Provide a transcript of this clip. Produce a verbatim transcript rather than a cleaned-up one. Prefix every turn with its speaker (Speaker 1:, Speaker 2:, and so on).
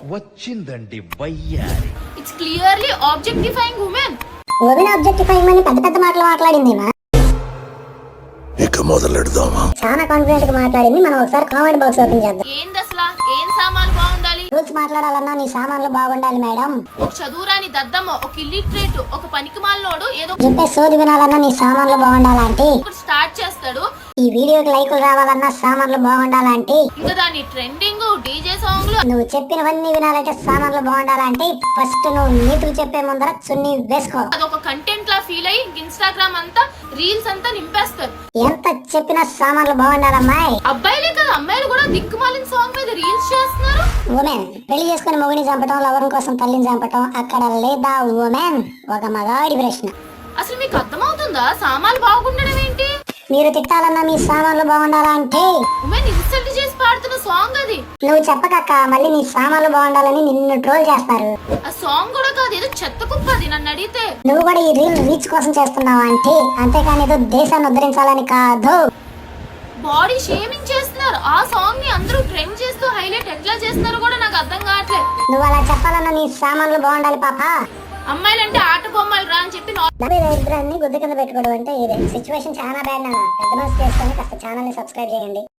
Speaker 1: వచ్చిందండి వయ్యారి.
Speaker 2: It's clearly objectifying women.
Speaker 3: Women objectifying అని పెద్ద పెద్ద మాటలు మాట్లాడింది మా.
Speaker 1: ఇక మొదలెడదామా?
Speaker 3: చాలా కాన్ఫిడెంట్ గా మాట్లాడింది. మనం ఒకసారి కామెంట్ బాక్స్ ఓపెన్ చేద్దాం.
Speaker 2: ఏంది అసలా? ఏం సామాన్లు బాగుండాలి?
Speaker 3: రూల్స్ మాట్లాడాలన్నా నీ సామాన్లు బాగుండాలి మేడం.
Speaker 2: ఒక చదువురాని దద్దమ్మ, ఒక ఇల్లిటరేట్, ఒక పనికిమాలినోడు ఏదో
Speaker 3: చెప్పే సోది వినాలన్నా నీ సామాన్లు బాగుండాలంటే,
Speaker 2: ఒకటి స్టార్ట్ చేస్తాడు.
Speaker 3: ఈ వీడియోకి లైకులు రావాలన్నా సామాన్లు బాగుండాలంటే,
Speaker 2: ఇంకా దాని ట్రెండింగ్ డీజే సాంగ్లు.
Speaker 3: నువ్వు చెప్పినవన్నీ వినాలంటే సామాన్లు బాగుండాలంటే ఫస్ట్ నువ్వు నీతులు చెప్పే ముందర చున్నీ వేసుకో.
Speaker 2: అదొక కంటెంట్ లా ఫీల్ అయ్యి ఇన్స్టాగ్రామ్ అంతా రీల్స్ అంతా నింపేస్తారు.
Speaker 3: ఎంత చెప్పినా సామాన్లు బాగుండాలమ్మాయి.
Speaker 2: అబ్బాయిలే కదా అమ్మాయిలు కూడా దిక్కుమాలిన సాంగ్ మీద రీల్స్ చేస్తున్నారు.
Speaker 3: ఉమెన్ పెళ్లి చేసుకుని మొగుడిని చంపటం, లవరం కోసం తల్లిని చంపటం అక్కడ లేదా ఉమెన్? ఒక మగాడి ప్రశ్న.
Speaker 2: అసలు మీకు అర్థమవుతుందా సామాన్లు బాగుండడం ఏంటి?
Speaker 3: మీరు తిట్టాలన్నా మీ సామాన్లు బాగుండాలంటే,
Speaker 2: ఉమెన్ ఇన్సల్ట్ చేసి పాడుతున్న సాంగ్ అది.
Speaker 3: నువ్వు చెప్పకక్క మళ్ళీ నీ సామాన్లు బాగుండాలని నిన్ను ట్రోల్ చేస్తారు.
Speaker 2: ఆ సాంగ్ కూడా కాదు, ఏదో చెత్త కుప్ప అది నన్ను అడిగితే.
Speaker 3: నువ్వు కూడా ఈ రీల్ రీచ్ కోసం చేస్తున్నావు అంటే, అంతేకాని ఏదో దేశాన్ని ఉద్ధరించాలని కాదు.
Speaker 2: బాడీ షేమింగ్ చేస్తున్నారు. ఆ సాంగ్ ని అందరూ ట్రెండ్ చేస్తూ హైలైట్ ఎట్లా చేస్తున్నారు కూడా నాకు అర్థం కావట్లేదు.
Speaker 3: నువ్వు అలా చెప్పాలన్నా నీ సామాన్లు బాగుండాలి పాప.
Speaker 2: అమ్మాయిలంటే ఆట బొమ్మలు రా అని చెప్పి
Speaker 3: ఇద్దరాన్ని గుద్దు కింద పెట్టుకోవడం అంటే ఇదే. సిచ్యువేషన్ చాలా బ్యాడ్ నాన్న. పెద్ద మనసు చేసుకొని కాస్త ఛానల్ ని సబ్స్క్రైబ్ చేయండి.